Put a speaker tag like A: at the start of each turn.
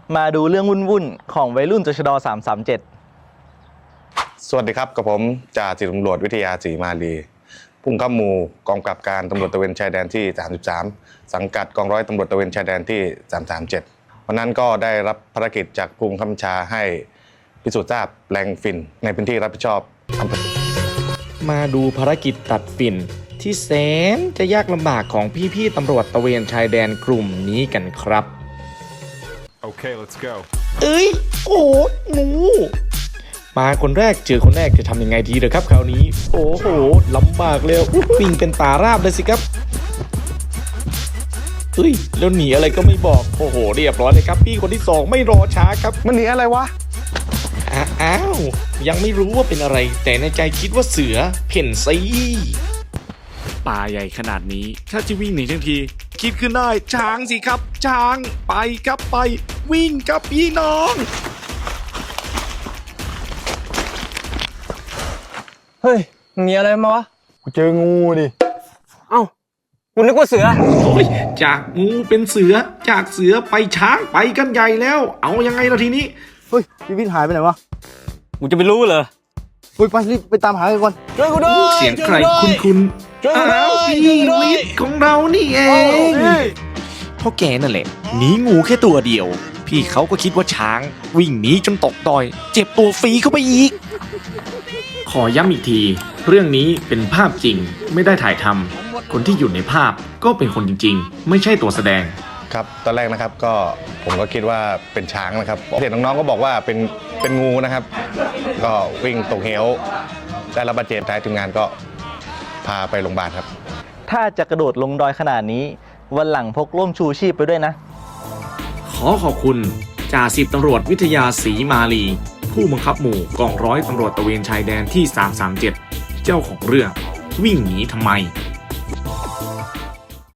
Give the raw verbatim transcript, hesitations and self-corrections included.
A: มาดูเรื่องวุ่นๆของวัยรุ่นตชดสามสามเจ็ด
B: สวัสดีครับกับผมจ่าสิบตำรวจวิทยาศรีมาลีผู้บังคับหมู่กองกำกับการตำรวจตระเวนชายแดนที่สามสิบสามสังกัดกองร้อยตำรวจตระเวนชายแดนที่สามสามเจ็ดวันนั้นก็ได้รับภารกิจจากผู้บังคับบัญชาให้พิสูจน์ทราบแปลงฝิ่นในพื้นที่รับผิดชอบอำเภอ
C: มาดูภารกิจตัดฝิ่นที่แสนจะยากลำบากของพี่ๆตำรวจตระเวนชายแดนกลุ่มนี้กันครับ
D: Okay, let's go.
C: เอ้ยโอ้งูมาคนแรกเจอคนแรกจะทำยังไงดีเด้อครับคราวนี้โอ้โหลำบากเลยวิ่งเป็นตาราบเลยสิครับเฮ้ยแล้วหนีอะไรก็ไม่บอกโอ้โหเรียบร้อยเลยครับพี่คนที่สองไม่รอช้าครับ
B: มันหนีอะไรวะ
C: อ้าวยังไม่รู้ว่าเป็นอะไรแต่ในใจคิดว่าเสือเพ่นซีป่าใหญ่ขนาดนี้ถ้าจะวิ่งหนีทั้งทีคิดขึ้นได้ช้างสิครับช้างไปครับไปวิ่งกับพี่น้อง
A: เฮ้ยมีอะไรมาวะ
E: กูเจองูดิ
A: เอ้ากูนึกว่าเสือ
C: โอ้ยจากงูเป็นเสือจากเสือไปช้างไปกันใหญ่แล้วเอายังไงล่ะทีนี้
E: เฮ้ยพี่วิทย์หายไปไหนวะ
A: กูจะไปรู้เหรอ
E: เฮ้ยไปรีบไปตามหากันก่อน
A: ช่วยกูด้วย
C: เสียงใครคุ้นคุ้นๆอ้าวพี่วิทย์ของเรานี่เองเพราะแกนั่นแหละหนีงูแค่ตัวเดียว พี่เขาก็คิดว่าช้างวิ่งหนีจนตกดอย เจ็บตัวฟรีเข้าไปอีก ขอย้ำอีกที เรื่องนี้เป็นภาพจริงไม่ได้ถ่ายทำคนที่อยู่ในภาพก็เป็นคนจริงๆ ไม่ใช่ตัวแสดง
B: ครับตอนแรกนะครับก็ผมก็คิดว่าเป็นช้างนะครับเห็นน้องๆก็บอกว่าเป็นเป็นงูนะครับ ก็วิ่งตกเหวได้รับบาดเจ็บท้ายทีมงานก็พาไปโรงพยาบาลครับ
A: ถ้าจะกระโดดลงดอยขนาดนี้วันหลังพกร่มชูชีพไปด้วยนะ
C: ขอขอบคุณจ่าสิบตำรวจวิทยาศรีมาลีผู้บังคับหมู่กองร้อยตำรวจตระเวนชายแดนที่สามสามเจ็ดเจ้าของเรื่องวิ่งหนีทำไม